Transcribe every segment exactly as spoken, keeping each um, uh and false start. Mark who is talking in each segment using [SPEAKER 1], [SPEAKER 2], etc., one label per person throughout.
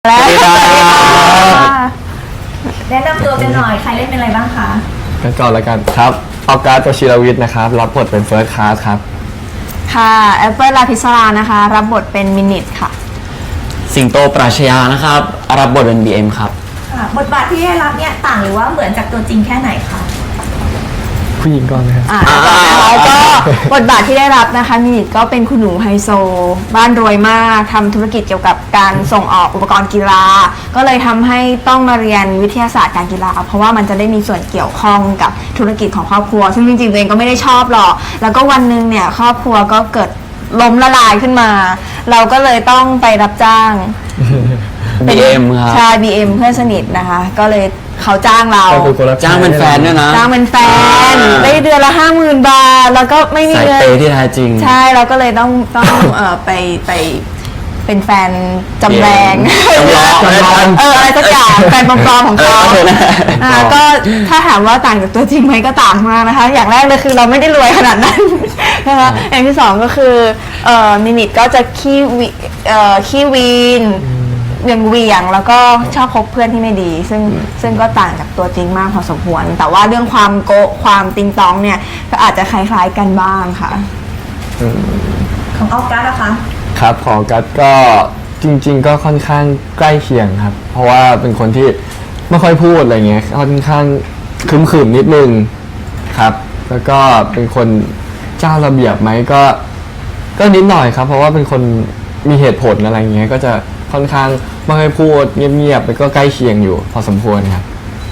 [SPEAKER 1] แล้วสวัสดีค่ะ
[SPEAKER 2] แนะนำตัวกันหน่อยใครเล่นเป็นอะไรบ้างคะ
[SPEAKER 3] กันก่อนแล้วกันครับออกัสวชิรวิทย์นะครับรับบทเป็นเฟิร์สคลาสครับ
[SPEAKER 1] ค่ะแอปเปิลลาพิศรานะคะรับบทเป็นมินิทค่ะ
[SPEAKER 4] สิงโตปราชญานะครับรับบทเป็น บี เอ็ม ครับ
[SPEAKER 2] บทบาทที่ได้รับเนี่ยต่างหรือว่าเหมือนจากตัวจริงแค่ไหนคะ
[SPEAKER 3] ผู้หญิงก่อนนะครับ
[SPEAKER 1] อ่าแล้วก็บทบาทที่ได้รับนะคะมินิทก็เป็นคุณหนูไฮโซบ้านรวยมากทำธุรกิจเกี่ยวกับการส่งออกอุปกรณ์กีฬาก็เลยทำให้ต้องมาเรียนวิทยาศาสตร์การกีฬาเพราะว่ามันจะได้มีส่วนเกี่ยวข้องกับธุรกิจของครอบครัวซึ่งจริงๆตัวเองก็ไม่ได้ชอบหรอกแล้วก็วันนึงเนี่ยครอบครัวก็เกิดล้มละลายขึ้นมาเราก็เลยต้องไปรับจ้าง
[SPEAKER 4] บี เอ็ม ครับ
[SPEAKER 1] ใช่ บี เอ็ม เพื่อนสนิทนะคะก็เลยเขาจ้างเรา
[SPEAKER 4] จ้างเป็นแฟนด้วยนะ
[SPEAKER 1] จ้างเป็นแฟนได้เดือนละห้าหมื่นบาทแล้วก็ไม่มี
[SPEAKER 4] เงินสายเปย์ที่แท้จริง
[SPEAKER 1] ใช่เราก็เลยต้องต้องเอ่อไปไปเป็นแฟนจำแรง
[SPEAKER 4] จำลอง
[SPEAKER 1] เอออะไรสักอย่างแฟนปลอมๆของเขาอ่าก็ถ้าถามว่าต่างจากตัวจริงไหมก็ต่างมากนะคะอย่างแรกเลยคือเราไม่ได้รวยขนาดนั้นนะคะอย่างที่สองก็คือเอ่อมินิทก็จะขี้วีเอ่อขี้วีนเวียงเวียงแล้วก็ชอบคบเพื่อนที่ไม่ดีซึ่งซึ่งก็ต่างจากตัวจริงมากพอสมควรแต่ว่าเรื่องความโกะความติงตองเนี่ยก็อาจจะคล้ายๆกันบ้างค่ะ
[SPEAKER 2] ของออกัสนะคะ
[SPEAKER 3] ครับของกัสก็จริงๆก็ค่อนข้างใกล้เคียงครับเพราะว่าเป็นคนที่ไม่ค่อยพูดอะไรเงี้ยค่อนข้างขรึมๆนิดนึงครับแล้วก็เป็นคนเจ้าระเบียบไหมก็ก็นิดหน่อยครับเพราะว่าเป็นคนมีเหตุผลอะไรเงี้ยก็จะค่อนข้างไม่ค่อยพูดเงียบๆแล้วก็ใกล้เคียงอยู่พอสมควรครับ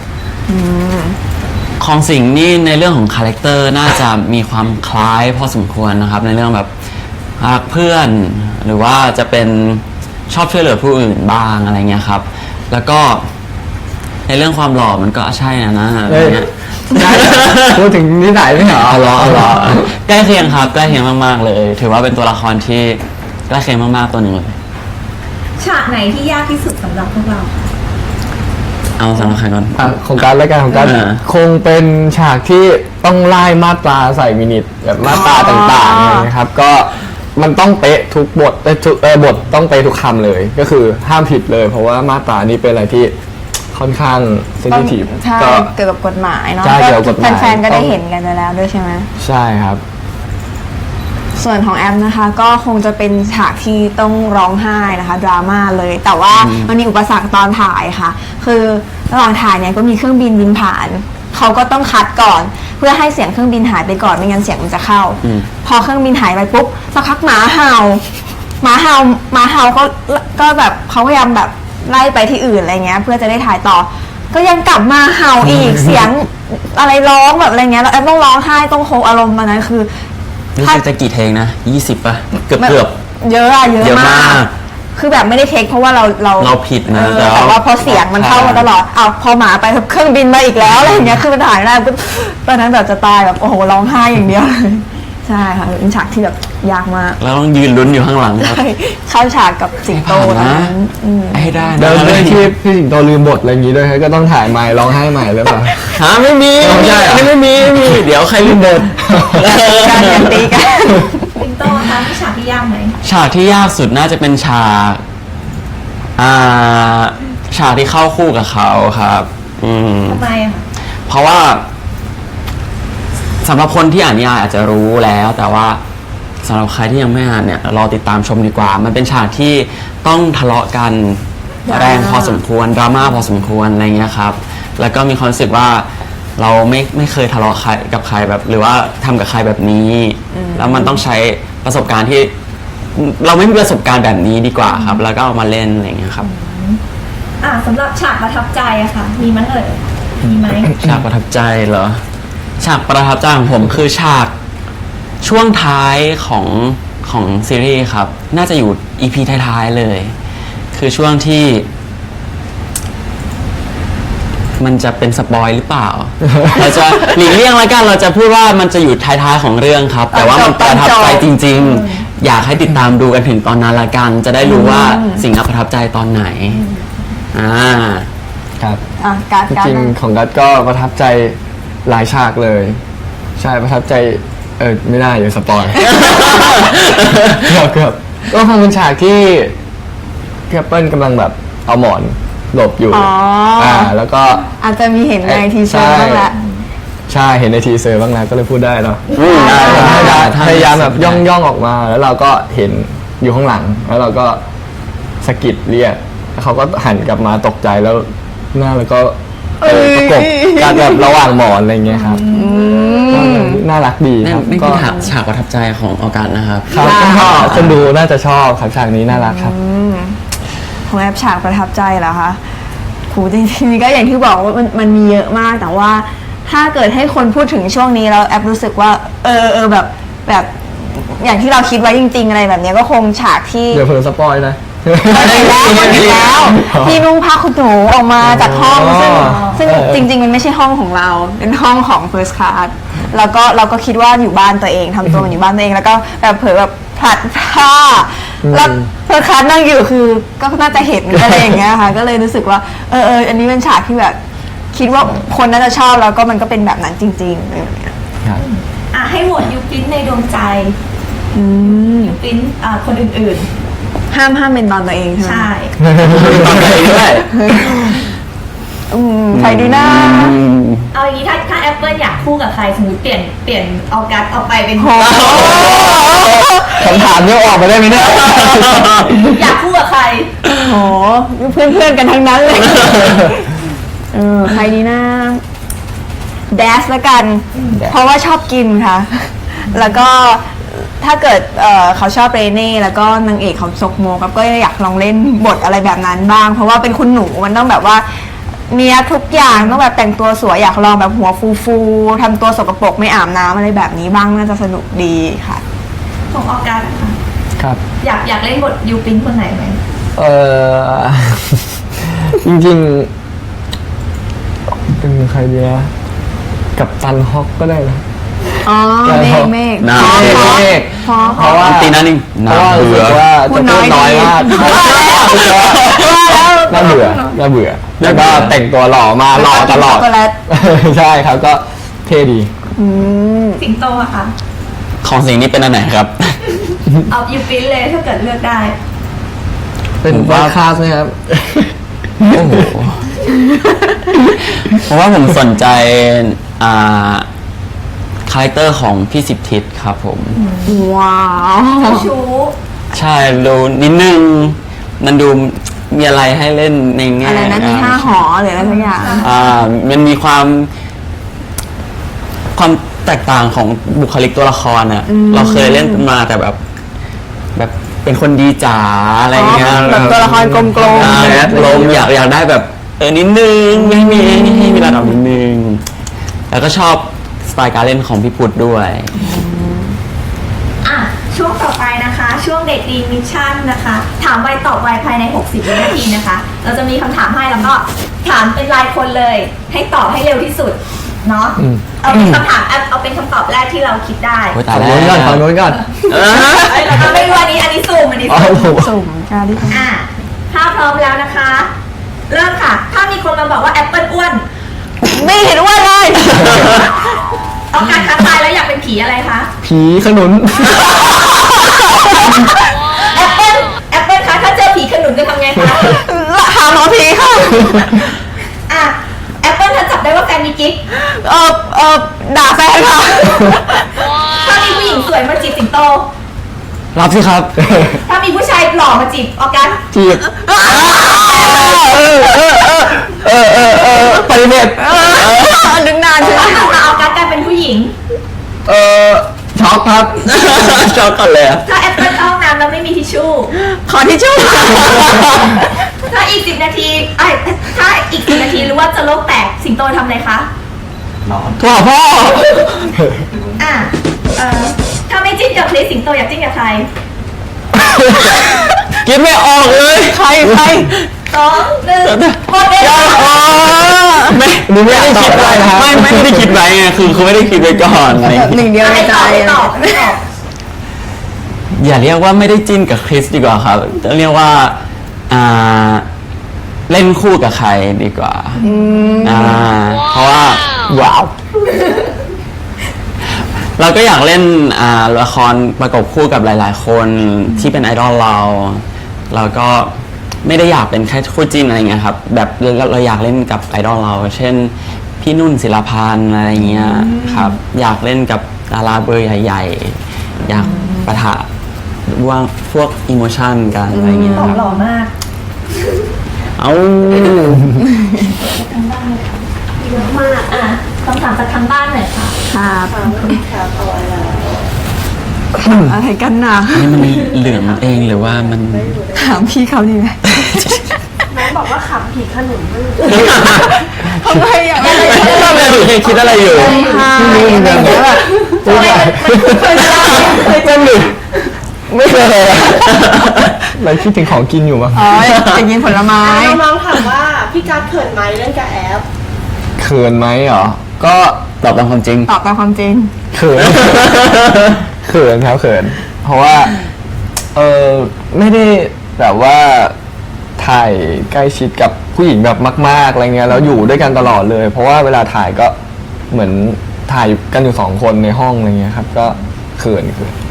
[SPEAKER 4] ของสิงห์นี่ในเรื่องของคาแรคเตอร์น่าจะมีความคล้ายพอสมควรนะครับในเรื่องแบบรักเพื่อนหรือว่าจะเป็นชอบช่วยเหลือผู้อื่นบ้างอะไรเงี้ยครับแล้วก็ในเรื่องความหล่อมันก็ใช่นะนะอะไรเงี้ย
[SPEAKER 3] พูดถึงนิสัยไม่เหรอ
[SPEAKER 4] หล่อหล่อใกล้เคียงครับใกล้เคียงมากๆเลยถือว่าเป็นตัวละครที่ใกล้เคียงมากๆตัวหนึ่งเลย
[SPEAKER 2] ฉากไหนที่ยากที่สุดสำหรับพวกเรา
[SPEAKER 4] เอาสำหรับใครก่อน
[SPEAKER 3] ของการและการของการคงเป็นฉากที่ต้องไล่มาตราใส่มินิทแบบมาตราต่างๆนะครับก็มันต้องเป๊ะทุกบทเออบทต้องเป๊ะทุกคำเลยก็คือห้ามผิดเลยเพราะว่ามาตรานี้เป็นอะไรที่ค่อนข้างเซนซิทีฟ
[SPEAKER 1] ใช่เกี่ยวกับกฎหมายเนาะแฟนๆก็ได้เห็นกันไปแล้วด้วยใช่ไหม
[SPEAKER 3] ใช่ครับ
[SPEAKER 1] ส่วนของแอมนะคะก็คงจะเป็นฉากที่ต้องร้องไห้นะคะดราม่าเลยแต่ว่ามันมีอุปสรรคตอนถ่ายค่ะคือระหว่างถ่ายเนี่ยก็มีเครื่องบินบินผ่านเขาก็ต้องคัดก่อนเพื่อให้เสียงเครื่องบินหายไปก่อนไม่งั้นเสียงมันจะเข้าพอเครื่องบินหายไปปุ๊บสักพักหมาเห่าหมาเห่าหมาเห่าก็ก็แบบเขาพยายามแบบไล่ไปที่อื่นอะไรเงี้ยเพื่อจะได้ถ่ายต่อก็ยังกลับมาเห่าอีกเสียงอะไรร้องแบบอะไรเงี้ยแล้วแอมต้องร้องไห้ต้องโคอารมณ์มานั้นคือ
[SPEAKER 4] นี่จะกี่เทงนะยี่สิบป่ะเกือบเกือบ
[SPEAKER 1] เยอะอะเยอะมากคือแบบไม่ได้เทคเพราะว่าเราเรา
[SPEAKER 4] เราผิดนะ
[SPEAKER 1] แต่ว่าพอเสียงมันเข้ามาตลอดเอาพอหมาไปเครื่องบินมาอีกแล้วอะไรอย่างเงี้ยคือมันถ่ายได้ปุ๊บตอนนั้นแบบจะตายแบบโอ้โหร้องไห้อย่างเดียวเลยใช่ค่ะเป็นฉากที่แบบยากมาก
[SPEAKER 4] แล้วต้องยืนลุ้นอยู่ข้างหลังครับ
[SPEAKER 1] เข้าฉากกับสิงโตนะ
[SPEAKER 4] ให้ได้
[SPEAKER 3] เดินด้วยที่พี่สิงโตลืมบทอะไรอย่างงี้ด้วยก็ต้องถ่ายใหม่ร้องไห้ใหม่เลยป่ะ
[SPEAKER 4] ฮะไม่มีไม่ใช่ไม่มีไม่มีเดี๋ยวใครลืมบท
[SPEAKER 1] การยันตีกัน
[SPEAKER 2] สิงโตคะมีฉากที่ยากไหม
[SPEAKER 4] ฉากที่ยากสุดน่าจะเป็นฉากอ่าฉากที่เข้าคู่กับเขาครับ
[SPEAKER 2] อืมทำไมอ่ะ
[SPEAKER 4] เพราะว่าสำหรับคนที่อ่านนิยายอาจจะรู้แล้วแต่ว่าสำหรับใครที่ยังไม่อ่านเนี่ยรอติดตามชมดีกว่ามันเป็นฉากที่ต้องทะเลาะกันแรงพอสมควรดราม่าพอสมควรอะไรเงี้ยครับแล้วก็มีความรู้สึกว่าเราไม่ไม่เคยทะเลาะใครกับใครแบบหรือว่าทำกับใครแบบนี้แล้วมันต้องใช้ประสบการณ์ที่เราไม่มีประสบการณ์แบบนี้ดีกว่าครับแล้วก็เอามาเล่นอะไรเงี้ยครับ
[SPEAKER 2] อ่าสำหรับฉากประทับใจอะค่ะมีมั้ยเอ่ยมีไหม
[SPEAKER 4] ฉากประทับใจเหรอฉากประทับใจของผมคือฉากช่วงท้ายของของซีรีส์ครับน่าจะอยู่ อี พี ท้ายๆเลยคือช่วงที่มันจะเป็นสปอยหรือเปล่าเราจะหลีกเลี่ยงแล้วกันเราจะพูดว่ามันจะอยู่ท้ายๆของเรื่องครับแต่ว่ามันประทับใจจริงๆอยากให้ติดตามดูกันถึงตอนนั้นละกันจะได้รู้ว่าสิ่งที่ประทับใจตอนไหนอ่า
[SPEAKER 3] ครับ
[SPEAKER 1] จ
[SPEAKER 3] ริงๆของกัสก็ประทับใจหลายฉากเลยใช่ประทับใจเออไม่ได้อย่าสปอยเกือบเกือบก็คงเป็นฉากที่พี่แอปเปิ้ลกำลังแบบเอาหมอนหลบอยู่
[SPEAKER 1] อ๋ออ่
[SPEAKER 3] อ่าแล้วก็
[SPEAKER 1] อาจจะมีเห็นในทีเซอร์บ้างแหละ
[SPEAKER 3] ใช่เห็นในทีเซอร์บ้างแล้วก็เลยพูดได้เนาะ
[SPEAKER 4] อืมได้
[SPEAKER 3] พ
[SPEAKER 4] ได้
[SPEAKER 3] ยายาม
[SPEAKER 4] ได้
[SPEAKER 3] พยายามแบบย่องย่องออกมา แล้วเราก็เห็นอยู่ข้างหลัง แล้วเราก็สะกิดเรียกแล้วเขาก็หันกลับมาตกใจแล้วหน้าแล้วก็เออประกบกันแบบระหว่างหมอนอะไรเงี้ยครับก็น่ารักดี
[SPEAKER 4] นั่
[SPEAKER 3] คน รับ
[SPEAKER 4] นี่
[SPEAKER 3] ก็
[SPEAKER 4] คือฉากฉากประทับใจของออกัสนะครับ
[SPEAKER 3] ครับก็คนดูน่าจะชอบครับฉากนี้น่ารักครับ
[SPEAKER 1] ของแอปฉากประทับใจเหรอคะโหจริงๆก็อย่างที่บอกว่ามันมันมีเยอะมาก แต่ว่าถ้าเกิดให้คนพูดถึงช่วงนี้แล้วแอปรู้สึกว่า เออเออแบบแบบอย่างที่เราคิดไว้จริง ๆ อะไรแบบเนี้ยก็คงฉากที่
[SPEAKER 3] เดี๋ยวเพิ่งสปอยนะ
[SPEAKER 1] อีกแล้วอีกแล้วที่นุ่งผ้าขนหนูออกมาจากห้อง
[SPEAKER 3] อ๋อ
[SPEAKER 1] ซึ่งซึ่ง
[SPEAKER 3] เออ
[SPEAKER 1] จริง ๆ มันไม่ใช่ห้องของเรา เป็นห้องของ First Class แล้วก็เราก็คิดว่าอยู่บ้านตัวเองทำตัวเหมือนอยู่บ้านตัวเอง แล้วก็แบบเผลอแบบผลัดผ้าแล้ว First Class นั่งอยู่คือก็น่าจะเห็นอะไรอย่างเงี้ยค่ะ ก็เลยรู้สึกว่าเออเอออันนี้เป็นฉากที่แบบคิดว่าคนน่าจะชอบแล้วก็มันก็เป็นแบบนั้นจริงๆอะไรแบบเนี้ย
[SPEAKER 3] ครับ
[SPEAKER 2] อ่ะให้โหวตยูปรินในดวงใจ
[SPEAKER 1] อืม
[SPEAKER 2] ยูปรินอ่าคนอื่น
[SPEAKER 1] ห้ามห้ามเป็นตอนตัวเองใช่
[SPEAKER 2] ๆ
[SPEAKER 1] ไหม
[SPEAKER 2] ใช่
[SPEAKER 4] ตอนไหนด้วย
[SPEAKER 1] อืมใครดีนะ
[SPEAKER 2] เอาอย่างนี้ถ้าถ้าแอปเปิลอยากคู่กับใครสมมติเปลี่ยนเปลี่ยนออกัสออกไปเป็น
[SPEAKER 1] โห
[SPEAKER 3] คำถามนี้ออกมาได้ไหมเนี่ย
[SPEAKER 2] อยากคู่กับใคร
[SPEAKER 1] โหเพื่อนเพื่อนๆกันทั้งนั้นเลย เออใครดีนะแดสละกัน เพราะว่าชอบกินค่ะ แล้วก็ถ้าเกิดเอ่อเขาชอบเรเน่แล้วก็นางเอกเขาซกโมกับก็อยากลองเล่นบทอะไรแบบนั้นบ้าง เพราะว่าเป็นคุณหนูมันต้องแบบว่าเนี้ยบทุกอย่างต้องแบบแต่งตัวสวยอยากลองแบบหัวฟูๆทำตัวสกปรกไม่อาบน้ำอะไรแบบนี้บ้างน่าจะสนุกดีค่ะ
[SPEAKER 2] ของออกัสอะค่ะ
[SPEAKER 3] ครับ
[SPEAKER 2] อยากอยากเล่นบทยูปรินคนไหนไหม
[SPEAKER 3] เออ จริงๆ เป็นใครดีนะกับตันฮอกก็ได้นะ
[SPEAKER 1] อ๋อเมฆเมฆ
[SPEAKER 4] น่า
[SPEAKER 1] พอ
[SPEAKER 3] เมฆ
[SPEAKER 1] พอ
[SPEAKER 3] เมฆ
[SPEAKER 1] พอ
[SPEAKER 3] เพราะว่า
[SPEAKER 4] ตีนั่นนี่
[SPEAKER 3] เพ
[SPEAKER 4] น่า
[SPEAKER 3] ราะว่ารู้
[SPEAKER 4] เบื่
[SPEAKER 3] สึ
[SPEAKER 4] อก
[SPEAKER 3] ว่า
[SPEAKER 1] พู
[SPEAKER 3] จะ
[SPEAKER 1] ด
[SPEAKER 3] พูด
[SPEAKER 1] น้
[SPEAKER 3] น้
[SPEAKER 1] อ
[SPEAKER 3] อย ย
[SPEAKER 1] ดี
[SPEAKER 3] มากน่าเบื่อน่าเบื่อแล้วก็แต่งตัวหล่อมาหล่อตลอด
[SPEAKER 1] ช็อกโกแลต
[SPEAKER 3] ใช่ครับก็เท่ดี
[SPEAKER 1] อืม
[SPEAKER 2] สิงโตอะค่ะ
[SPEAKER 4] ของสิ่งนี้เป็นอันไหนครับ
[SPEAKER 2] เอายูปรินเลยถ้าเกิดเลือกได้
[SPEAKER 3] เป็น
[SPEAKER 4] ผม
[SPEAKER 3] ว่า
[SPEAKER 4] ว่า
[SPEAKER 3] คลาสไหมครับ
[SPEAKER 4] โอ้โหเพราะว่าผมสนใจอ่าคาแรคเตอร์ของพี่สิบทิศครับผม
[SPEAKER 1] ว้าว
[SPEAKER 2] เจ้าชู้
[SPEAKER 4] ใช่ดูนิดนึง มันดูมีอะไรให้เล่นในแง่
[SPEAKER 1] อะไรนะมีห้าหอหรืออะไรสักอย่าง
[SPEAKER 4] อ่ามันมีความ ความแตกต่างของบุคลิกตัวละครอะเราเคยเล่นมาแต่แบบ แบบเป็นคนดีจ๋าอะไรเงี้ย
[SPEAKER 1] อ๋อแบบตัวละครกลมๆ
[SPEAKER 4] อ่าแอดลมอยากอยากได้แบบ เออนิดนึงให้มีให้มีระดับนิดนึง แล้วก็ชอบสไตล์การเล่นของพี่พุทธด้วย
[SPEAKER 2] อ่ะช่วงต่อไปนะคะ ช่วงเด็กดีมิชชั่นนะคะ ถามไวตอบไวภายใน หกสิบวินาทีนะคะ เราจะมีคำถามให้แล้วก็ถามเป็นรายคนเลย ให้ตอบให้เร็วที่สุดเนาะ
[SPEAKER 3] อืม
[SPEAKER 2] เอาเป็นคำถามเอาเอาเป็นคำตอบแรกที่เราคิดได้
[SPEAKER 4] โอ้ย
[SPEAKER 3] ฝั่
[SPEAKER 4] ตาย
[SPEAKER 3] ง
[SPEAKER 4] แล้ว
[SPEAKER 3] โน้นก่อนฝั่งโน้นก่อน
[SPEAKER 4] เออ
[SPEAKER 2] เอ้ยเราไม่รู้อันนี้อันนี้ซูมอันนี้
[SPEAKER 3] อ๋อ
[SPEAKER 2] ซูม
[SPEAKER 3] ผม
[SPEAKER 1] สุ่มการที่
[SPEAKER 2] อ่ะถ้าพร้อมแล้วนะคะ เริ่มค่ะ ถ้ามีคนมาบอกว่าแอปเปิลอ้วน
[SPEAKER 1] ไม่เห็นว่าเลย
[SPEAKER 2] ต้องการค้าตายแล้วอยากเป็นผีอะไรคะ
[SPEAKER 3] ผีขนุน
[SPEAKER 2] แอปเปิลแอปเปิลคะถ้าเจอผีขนุนจะทำไงคะ
[SPEAKER 1] หาหมอผีค่ะ
[SPEAKER 2] อ่ะแอปเปิลถ้าจับได้ว่าแฟนมีกิ๊ก
[SPEAKER 1] เออเออด่าแฟนค่ะ
[SPEAKER 2] ถ้ามีผู้หญิงสวยมาจีบสิงโต
[SPEAKER 3] รับสิครับ
[SPEAKER 2] ถ้ามีผู้ชายหล่อมาจีบออกัส
[SPEAKER 3] จีบเออเออเออเออเออปฏิเสธ
[SPEAKER 1] ดึงนานใช่ไหม
[SPEAKER 2] ถ้าออกัสกลายเป็นผู้หญิง
[SPEAKER 3] เออช็อกครับ
[SPEAKER 4] ชอบก่อนเลยอะ
[SPEAKER 2] ถ้าแอปเปิลเข้าห้องน้ำแล้วไม่มีทิชชู่
[SPEAKER 1] ขอที่ช่วย
[SPEAKER 2] ถ้าอีกสิบนาทีไอ้ยถ้าอีกสิบนาทีรู้ว่าจะโลกแตกสิงโตทำอะไรคะ
[SPEAKER 3] โทรหาพ่อ
[SPEAKER 2] อ่ะเออถ้าไม่จิ้นกับคริสสิงโตอยากจิ้นกับใคร
[SPEAKER 3] กินไม่ออกเลย
[SPEAKER 1] ใครใคร
[SPEAKER 2] สองหนึ่งหมดเวลา
[SPEAKER 4] ไม่
[SPEAKER 3] ดูไม่ได้คิดอะไรนะครับ
[SPEAKER 4] ไม่ไม่ได้คิดไว้ไงคือคือไม่ได้คิดไว้ก่อนอะไรอย่าง
[SPEAKER 1] ห
[SPEAKER 4] เงี้ย
[SPEAKER 1] นึ่งเดียวในใจ
[SPEAKER 2] ไม่ตอบไม่ตอบ
[SPEAKER 4] อย่าเรียกว่าไม่ได้จิ้นกับคริสดีกว่าครับต้องเรียกว่าอ่าเล่นคู่กับใครดีกว่าอ่าเพราะว่าว้าวเราก็อยากเล่นอ่าละครประกบคู่กับหลาย ๆ คนที่เป็นไอดอลเรา เราก็ไม่ได้อยากเป็นแค่คู่จิ้นอะไรเงี้ยครับแบบเราเราอยากเล่นกับไอดอลเรา เช่นพี่นุ่นศิลปานอะไรเงี้ยครับอยากเล่นกับดาราเบอร์ใหญ่ๆ อยากปะทะว่าพวกอิโมชันกันอะไรเงี้ย
[SPEAKER 2] ตอบ
[SPEAKER 4] ครับ
[SPEAKER 2] หล่อมาก
[SPEAKER 4] เอา
[SPEAKER 2] เยอะมากอ่ะคำถามจากทางบ้านหน่อยค่ะ
[SPEAKER 1] ครับ
[SPEAKER 5] ครับเอาไว้แล้ว
[SPEAKER 1] อะไรกันนะ
[SPEAKER 4] นี่มันเหลืองเองหรือว่ามัน
[SPEAKER 1] ถามพี่เขาดีไหม
[SPEAKER 5] น้องบอกว่าขับผีขนุนไม่รู้
[SPEAKER 1] ทำไมอ่ะ
[SPEAKER 4] ไม่ได้ดูคิดอะไรอยู่
[SPEAKER 3] ไม่รู้เหมือนกันนะว่าเคยเจอหรือไม่เคยเราคิดถึงของกินอยู่มั้ง
[SPEAKER 1] อ๋อจะกินผลไม้
[SPEAKER 5] น้องๆถามว่าพี่การดเขินไหมเล่นกับแอป
[SPEAKER 3] เขินไหมเหรอ ก็
[SPEAKER 4] ตอบตามความจริง
[SPEAKER 1] ตอบตามความจริง
[SPEAKER 3] เขิน เขินครับเขิน เพราะว่า เออไม่ได้แบบว่าถ่ายใกล้ชิดกับผู้หญิงแบบมากๆอะไรเงี้ยแล้วอยู่ด้วยกันตลอดเลย เพราะว่าเวลาถ่ายก็เหมือนถ่ายกันอยู่สองคนในห้องอะไรเงี้ยครับ ก็เขินเขิน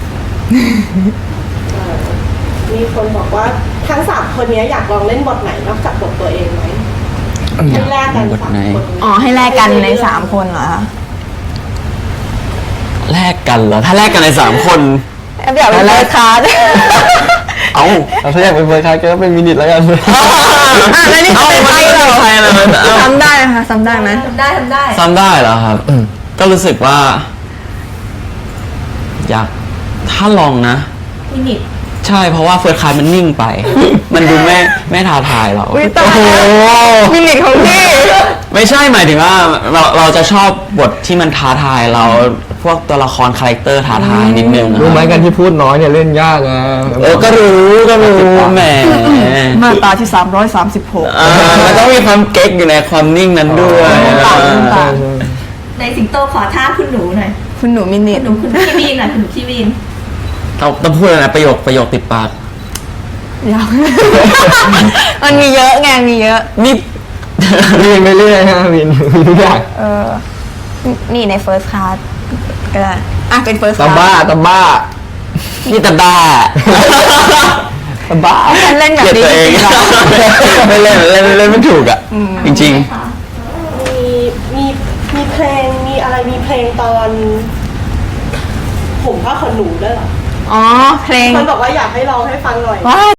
[SPEAKER 5] มีคนบอกว่าทั้งสามคนนี้อยากลองเล่นบทไหนนอกจากบทตัวเองไหมให้แลกกัน
[SPEAKER 4] บท
[SPEAKER 5] สาม
[SPEAKER 4] ไหน
[SPEAKER 5] คน
[SPEAKER 1] อ๋อ ให้แลกกันในสามคนเหรอคะ
[SPEAKER 4] แลกกันเหรอ ถ้าแลกกันในสามคน
[SPEAKER 1] แอบอยากเป็นเลคาร์ด
[SPEAKER 4] เอ้า
[SPEAKER 3] เราถ้าอยากเป็นเฟิร์สคลาสก็เป็นมินิทแล้วกัน
[SPEAKER 1] อ่ะแล้วนี่
[SPEAKER 4] เอ้า
[SPEAKER 1] เป็น
[SPEAKER 4] มัน
[SPEAKER 1] ใคร
[SPEAKER 4] ไม่
[SPEAKER 1] เหร
[SPEAKER 4] ใช่
[SPEAKER 1] อ
[SPEAKER 4] ใครเลยมันเอ้า
[SPEAKER 1] ซ้ำได้ไหมคะซ้ำได้ไหม
[SPEAKER 2] ทำได้ทำได้
[SPEAKER 4] ซ้ำได้เหรอครับ ก็รู้สึกว่า อยากถ้าลองนะ
[SPEAKER 2] มินิท
[SPEAKER 4] ใช่เพราะว่าเฟิร์สคลาสมันนิ่งไป มันดูไม่ไม่ท้าทายเรา
[SPEAKER 1] อุ้ยตายแล้วมินิของพี่
[SPEAKER 4] ไม่ใช่หมายถึงว่าเราเราจะชอบบทที่มันท้าทายเราพวกตัวละครคาแรคเตอร์ท้าทายนิดนึงนะ
[SPEAKER 3] รู้ไหมกันที่พูดน้อยเนี่ยเล่นยากนะ
[SPEAKER 4] เออก็รู้ก็รู้แหม
[SPEAKER 1] มาตราที่สามร้อยสามสิบหก
[SPEAKER 4] อ่ามันต้องมีความเก๊กอยู่ในความนิ่งนั้นด้วย
[SPEAKER 1] ต่างต่าง
[SPEAKER 2] ในสิงโตขอท่าคุณหนูหน่อย
[SPEAKER 1] คุณหนูมินิ
[SPEAKER 2] คุณหนูคุณพี่วีนหน่อยคุณหนูพี่วีน
[SPEAKER 4] ต้องต้องพูดอะไรนะประโยคประโยคติดปาก
[SPEAKER 1] ยาว มันมีเยอะไงมีเยอะ
[SPEAKER 4] นี่
[SPEAKER 3] เรียนไปเรื่อยฮะวินมีทุกอย่าง
[SPEAKER 1] เออ นี่ใน first class ก็ได้อ่ะเป็น first
[SPEAKER 3] ตา
[SPEAKER 1] class
[SPEAKER 3] บ้าตาบ้า
[SPEAKER 4] นี่ตาบ้า
[SPEAKER 3] ตาบ้า
[SPEAKER 1] ฉันเล่นแบบ
[SPEAKER 4] เกลียด
[SPEAKER 1] นี้
[SPEAKER 4] ตัวเอง
[SPEAKER 1] จริงๆเหรอ
[SPEAKER 4] ไม่เล่นเล่นเล่นไม่ถูกอ่ะ จริง
[SPEAKER 2] ค่ะ
[SPEAKER 5] มีมีมีเพลงมีอะไรมีเพลงตอน ผมผ้าขนหนูด้วยเหรอ
[SPEAKER 1] อ๋อ เพลง
[SPEAKER 5] คนบอกว่าอยากให้ลองให้ฟังหน่อย
[SPEAKER 1] ว้าย